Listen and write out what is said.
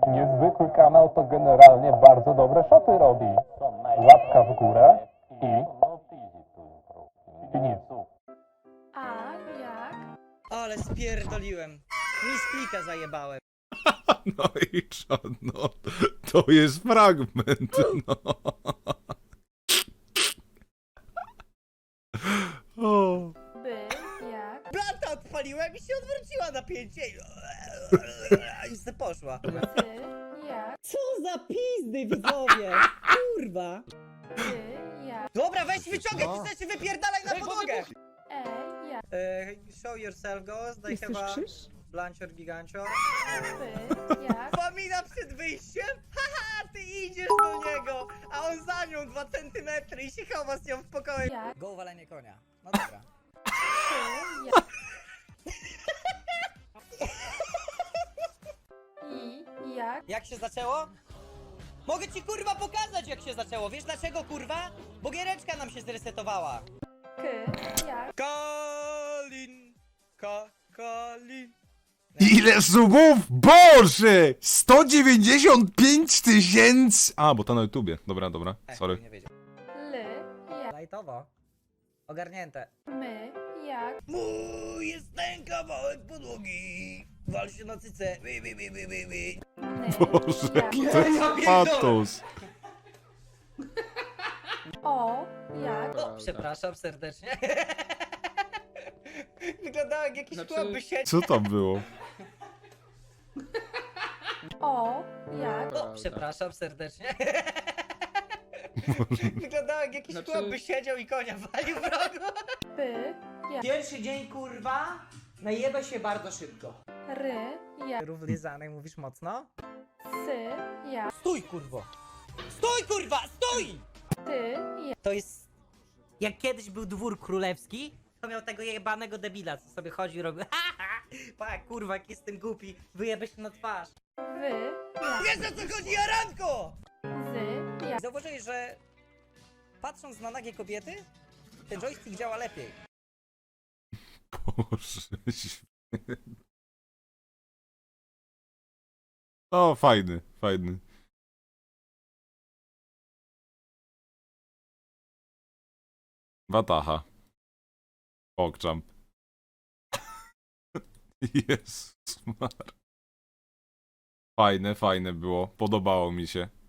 Niezwykły kanał to generalnie bardzo dobre szoty robi. Łapka w górę i nic. A jak? Ale spierdoliłem. Mi z plika zajebałem. No i co, no, to jest fragment, no. O. By jak? Blanta odpaliłem i się odwróciła napięcie i se poszła. Ty jak? Co za pizdy widzowie! Kurwa! Ty jak? Dobra, weź wyciągaj te rzeczy, wypierdalaj na podłogę! Jak? Show yourself, ghost. They have a blancior gigancior. By jak? Famina przed wyjściem? Haha, ty idziesz do niego, a on za nią 2 centymetry i się chowa z nią w pokoju. Jak? Go walenie konia. No dobra. Ty jak? I jak? Jak się zaczęło? Mogę ci kurwa pokazać jak się zaczęło. Wiesz dlaczego kurwa? Bo giereczka nam się zresetowała. K jak? Kalin. Kalin. Ile subów? Boże! 195 000! A, bo to na YouTubie. Dobra, dobra, sorry. Nie wiedział. L jak? Lajtowo. Ogarnięte. My jak? Mój jest ten kawałek podłogi. Wal się na cyce. Ny Boże, jak? jaki to jest patos. O jak? O, przepraszam serdecznie. Wyglądał jak jakiś Znaczy- chłop by siedział. Co tam było? O jak? O, przepraszam serdecznie. Wyglądał jak jakiś Znaczy- chłop by siedział i konia walił w rogu. By jak? Pierwszy dzień, kurwa, najebę się bardzo szybko. R jak? Rów lizanek, mówisz mocno? S jak? Stój kurwo! Stój kurwa! Stój! Ty jak? To jest... Jak kiedyś był dwór królewski, to miał tego jebanego debila, co sobie chodził i robił pa, kurwa, jak jestem głupi, wyjebę się na twarz. Wy jak? Wiesz o co chodzi, Jaranko! Z jak? Zauważyłeś, że patrząc na nagie kobiety, ten joystick działa lepiej. Boże, święty. O, fajny, fajny. Wataha. Pogchamp. Jezus Mar. Fajne, fajne było. Podobało mi się.